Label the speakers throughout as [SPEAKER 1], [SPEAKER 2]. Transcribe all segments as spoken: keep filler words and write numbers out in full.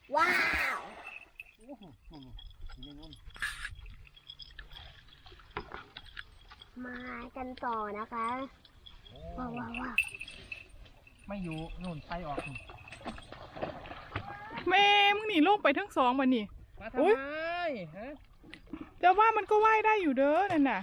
[SPEAKER 1] ว้าวมากันต่อนะคะว้าวว้าวว้าว
[SPEAKER 2] ไม่อยู่นู่นไปออก
[SPEAKER 3] แม่มึงหนีโลกไปทั้งสองวันนี่
[SPEAKER 2] มาทำไมฮะ
[SPEAKER 3] แต่ว่ามันก็ว่ายได้อยู่เด้อนั่นน่ะ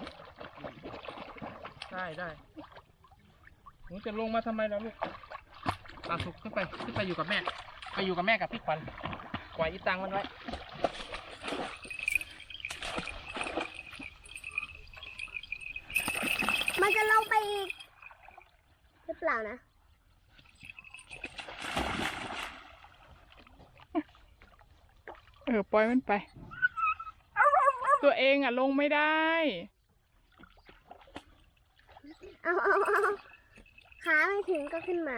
[SPEAKER 2] ได้ได้หนูจะลงมาทำไมแล้วลูกปลาสุกขึ้นไปขึ้นไปอยู่กับแม่ไปอยู่กับแม่กับพี่ขวัญปล่อยอีตังมันไว้
[SPEAKER 1] มันจะลงไปอีกหรือเปล่านะ
[SPEAKER 3] เออปล่อยมันไป ตัวเองอ่ะลงไม่ได้
[SPEAKER 1] เอาเอาเอาขาไม่ถึงก็ขึ้นมา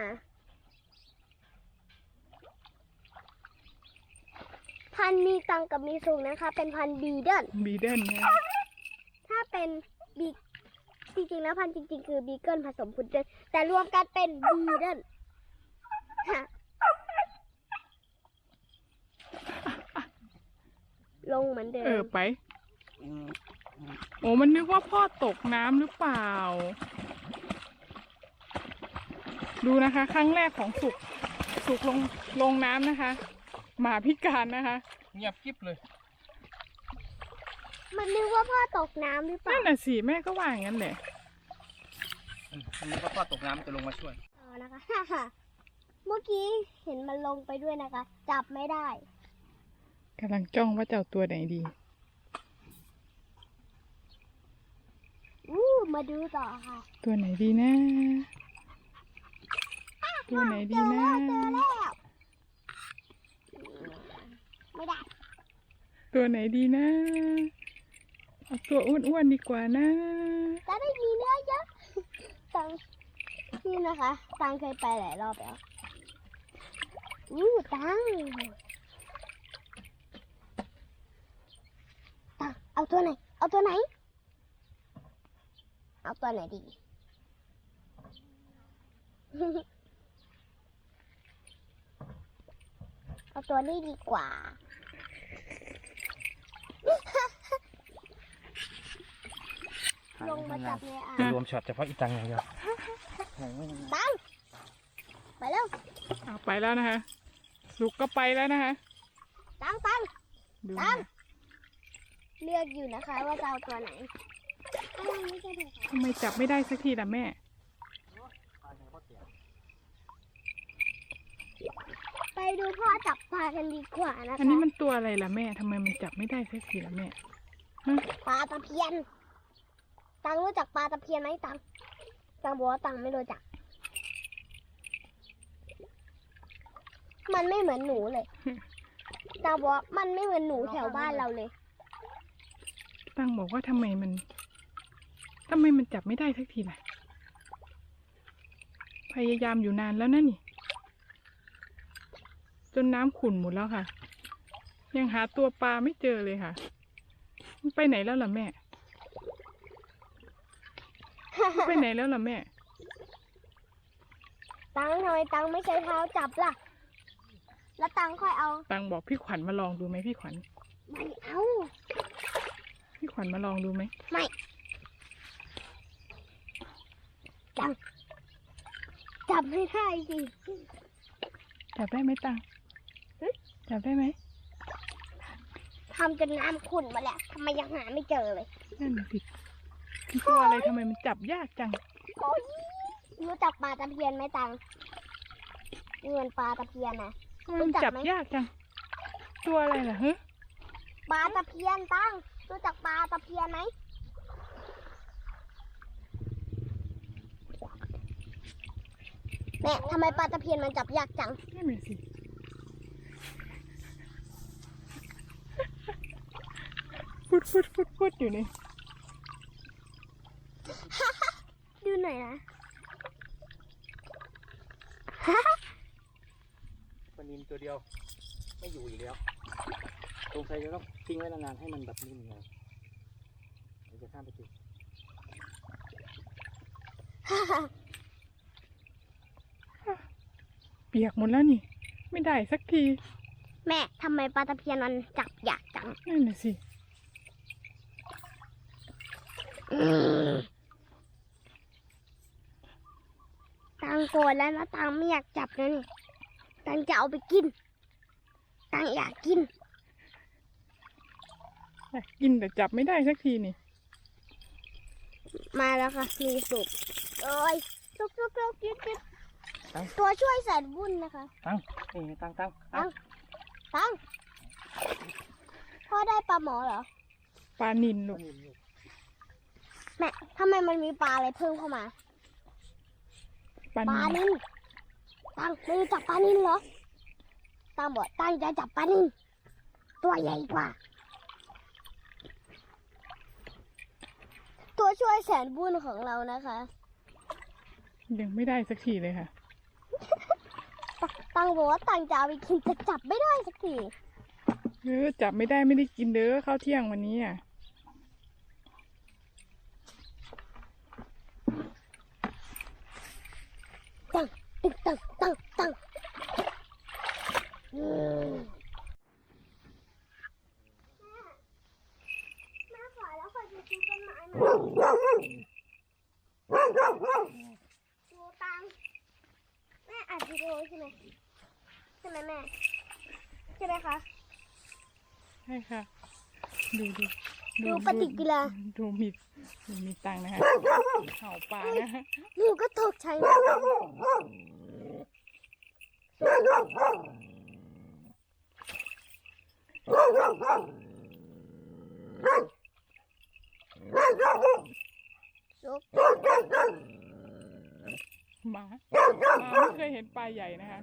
[SPEAKER 1] พันมีตังกับมีสูงนะคะเป็นพันบีเดิล
[SPEAKER 3] บีเดิลไง
[SPEAKER 1] ถ้าเป็นบีจริงๆแล้วพันจริงๆคือบีเกิลผสมพุดเดิลแต่รวมกันเป็นบีเดิลลงเหมือนเดิม
[SPEAKER 3] เออไป โอ้มันนึกว่าพ่อตกน้ำหรือเปล่า ดูนะคะ ครั้งแรกของสุกสุกลงลงน้ำนะคะ หมาพิการนะคะ
[SPEAKER 2] เงียบกิ๊บเลย
[SPEAKER 1] มันนึกว่าพ่อตกน้ำหรือเปล่า
[SPEAKER 3] นั่นน่ะสิแม่ก็ว่าอย่างนั้นแหละ
[SPEAKER 2] อันนี้ก็พ่อตกน้ำจะลงมาช่วย
[SPEAKER 1] เอานะคะ เมื่อกี้เห็นมันลงไปด้วยนะคะ จับไม่ได้
[SPEAKER 3] กำลังจ้องว่าจะเอาตัวไหนดี
[SPEAKER 1] อู้มาดูต่อค่ะ
[SPEAKER 3] ตัวไหนดีนะ ตัวไหนดีนะ
[SPEAKER 1] เจอแล้วไม่ได้
[SPEAKER 3] ตัวไหนดีนะ เอาตัวอ้วนๆดีกว่านะ
[SPEAKER 1] จะได้มีเนื้อเยอะตังนี่นะคะตังเคยไปหลายรอบแล้วอู้ตังตังเอาตัวไหน เอาตัวไหน เอาตัวไหนดี เอาตัวนี้ดีกว่า ลงมาจับในอ่าง
[SPEAKER 2] รวมช็อตเฉพาะอีตังอย่างเดียว
[SPEAKER 1] ตังไปแล้ว
[SPEAKER 3] เอาไปแล้วนะคะ สุกก็ไปแล้วนะคะ
[SPEAKER 1] ตังตัง
[SPEAKER 3] ดู
[SPEAKER 1] ตั
[SPEAKER 3] นะ
[SPEAKER 1] งเลือกอยู่นะคะว่าจะเอาตัวไหนอ้าวไม่ใช่ถูกค่ะ
[SPEAKER 3] ทำไมจับไม่ได้สักทีล่ะแม่
[SPEAKER 1] ไปดูพ่อจับปลากันดีกว่านะคะ
[SPEAKER 3] อันนี้มันตัวอะไรล่ะแม่ทำไมมันจับไม่ได้สักทีล่ะแม่ฮะ
[SPEAKER 1] ปลาตะเพียน ตังรู้จักปลาตะเพียนไหมตังตังบอกว่าตังไม่รู้จัก มันไม่เหมือนหนูเลยตังบอกว่ามันไม่เหมือนหนูแถวบ้านเราเลย
[SPEAKER 3] ตั้งบอกว่าทำไมมันทำไมมันจับไม่ได้สักทีล่ะ พยายามอยู่นานแล้วนะนี่ จนน้ำขุ่นหมดแล้วค่ะ ยังหาตัวปลาไม่เจอเลยค่ะ มันไปไหนแล้วล่ะแม่ ไปไหนแล้วล่ะแม่
[SPEAKER 1] ตังทำไมตังไม่ใช้เท้าจับล่ะ แล้วตังค่อยเอา
[SPEAKER 3] ตังบอกพี่ขวัญมาลองดูไหมพี่ขวัญ
[SPEAKER 1] ไม่เอา
[SPEAKER 3] พี่ขวัญมาลองดูไหม
[SPEAKER 1] ไม่ตังจับไม่ได้สิ
[SPEAKER 3] จับได้ไหมตังจับได้ไหม
[SPEAKER 1] ทำจนน้ำขุ่นมาแล้วทำไมยังหาไม่เจอเลย
[SPEAKER 3] นั่นน่ะสิคือตัวอะไรทำไมมันจับยากจัง
[SPEAKER 1] โอ้ยรู้จักปลาตะเพียนไหมตังเงินปลาตะเพียนนะ
[SPEAKER 3] ทำไมมันจับยากจัง ตัวอะไรล่ะฮะ
[SPEAKER 1] ปลาตะเพียนตังรู้จักปลาตะเพียนไหมแม่ทำไมปลาตะเพียนมันจับยากจัง
[SPEAKER 3] นั่นน่ะสิฟุดฟุดฟุดฟุดอยู่นี่
[SPEAKER 1] ดูหน่อยนะ
[SPEAKER 2] ปลานิลตัวเดียว ไม่อยู่อีกแล้วสงสัยจะต้องทิ้งไว้นานๆให้มันแบบนิ่มเลยเดี๋ยวจะข้ามไปจุด
[SPEAKER 3] เปียกหมดแล้วนี่ ไม่ได้สักที
[SPEAKER 1] แม่ทำไมปลาตะเพียนมันจับยากจัง
[SPEAKER 3] นั่นน่ะสิ
[SPEAKER 1] ตังโกรธแล้วนะตังไม่อยากจับนะนี่ตังจะเอาไปกินตังอยากกิน
[SPEAKER 3] กินแต่จับไม่ได้สักทีนี่
[SPEAKER 1] มาแล้วค่ะมีสุกโอ้ยสุกสุกสุกยึดยึด
[SPEAKER 2] ตั้ง
[SPEAKER 1] ตัวช่วยแสนวุ่นนะคะ
[SPEAKER 2] ตั้งนี่ตั้งตั้ง
[SPEAKER 1] ตั้งตังพ่อได้ปลาหมอเหรอ
[SPEAKER 3] ปลานิลลูก
[SPEAKER 1] แม่ทำไมมันมีปลาอะไรเพิ่มเข้ามา
[SPEAKER 3] ปลา
[SPEAKER 1] ปลา
[SPEAKER 3] นิล
[SPEAKER 1] นิลตังไม่รู้จักปลานิลเหรอตังบอกตังจะจับปลานิลตัวใหญ่กว่า ตัวช่วยแสนบุญของเรานะคะ
[SPEAKER 3] ยังไม่ได้สักทีเลยค่ะ
[SPEAKER 1] ตตังบอกว่าตังจะเอาไปกินแต่จับไม่ได้สักที
[SPEAKER 3] เออจับไม่ได้ไม่ได้กินเด้อข้าวเที่ยงวันนี้อ่ะ
[SPEAKER 1] ตังตึงตังตังตังอืมแม่ขอแล้วขอจะซื้อต้นไม้มาดูตังแม่อัดวิดีโอใช่ไหมใช่ไหมแม่ใช่ไหมคะ
[SPEAKER 3] ใช่ค่ะ ดูดู
[SPEAKER 1] ดูปฏิกิริยา
[SPEAKER 3] ดูมีดูมีตังค์นะคะเห่าปลานะคะ
[SPEAKER 1] หนูก็ตกใจนะซุก
[SPEAKER 3] หมาหมาไม่เคยเห็นปลาใหญ่นะคะ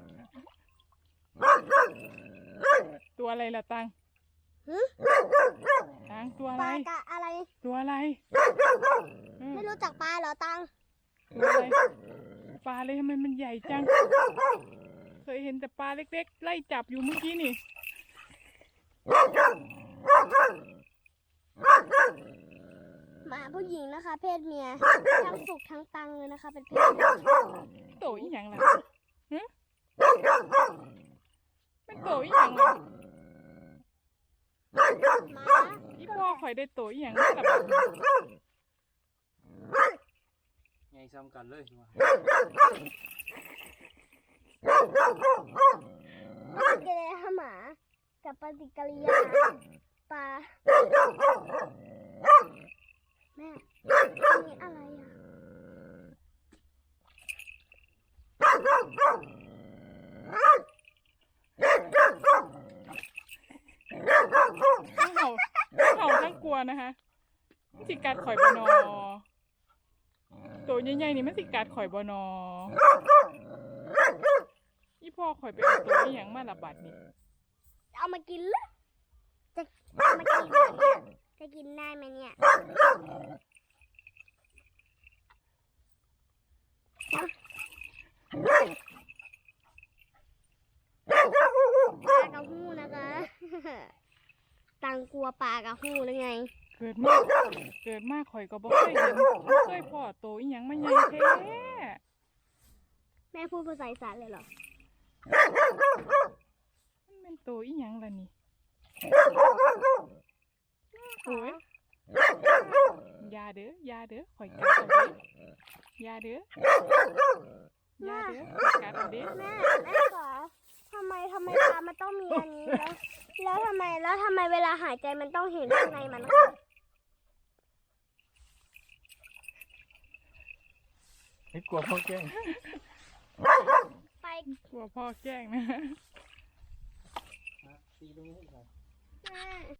[SPEAKER 3] ตัวอะไรล่ะตัง
[SPEAKER 1] หึ
[SPEAKER 3] ตังตัว
[SPEAKER 1] ป
[SPEAKER 3] อะไร
[SPEAKER 1] ลากะอะไร
[SPEAKER 3] ตัวอะไรอืม
[SPEAKER 1] ไม่รู้จักปลาเหรอตัง
[SPEAKER 3] ตัวอะไรปลาเลยทำไมมันใหญ่จัง เคยเห็นแต่ปลาเล็กๆ ไล่จับอยู่เมื่อกี้นี่
[SPEAKER 1] หมาผู้หญิงนะคะ เพศเมียทั้งสุกทั้งตังเลยนะคะ เป็นเพศเมีย
[SPEAKER 3] โตอีหยังล่ะฮะเป็นโตอีหยังล่ะ
[SPEAKER 1] หมา
[SPEAKER 3] อีพ่อข่อยได้โตอีหยังล่ะบัดนี้
[SPEAKER 2] ไงซ้ำกันเลยว่ะ
[SPEAKER 1] ปฏิกิริยาหมา กับปฏิกิริยาปลาแม่อันนี้อะไรอ่ะ
[SPEAKER 3] ทั้งเห่าทั้งเห่าทั้งกลัวนะคะมันสิกัดข่อยบนอตัวใหญ่ๆนี่มันสิกัดข่อยบนออีพ่อข่อยไปเอาตัวอีหยังมาละบัดนี่
[SPEAKER 1] เอามากินเหรอจะเอามากินเหรอเนี่ยจะกินได้ไหมเนี่ยปลากระหู้นะคะ ตังกลัวปลากระหู้หรือไง
[SPEAKER 3] เกิดมาเกิดมาข่อยก็บ่เคยเห็นบ่เคยพ่อโตอีหยังมาใหญ่แท้
[SPEAKER 1] แม่พูดภาษาอีสานเลยเหรอ
[SPEAKER 3] มันเป็นโตอีหยังล่ะนี่โอ้ยอยาเด้ออยาเด้อข่อยกัดเอาเด้ออยาเด้ออยาเด้อข่อยกัดเอาเด้อ
[SPEAKER 1] แม่แม่ขอทำไมทำไมปลามันต้องมีอันนี้แล้วแล้วทำไมแล้วทำไมเวลาหายใจมันต้องเห็นข้างในมันคะ
[SPEAKER 2] ไม่กลัวพ่อแกล้ง
[SPEAKER 1] ไป
[SPEAKER 3] กลัวพ่อแกล้งนะ
[SPEAKER 2] ตีตรงนี้ให้หน่อย
[SPEAKER 1] แม่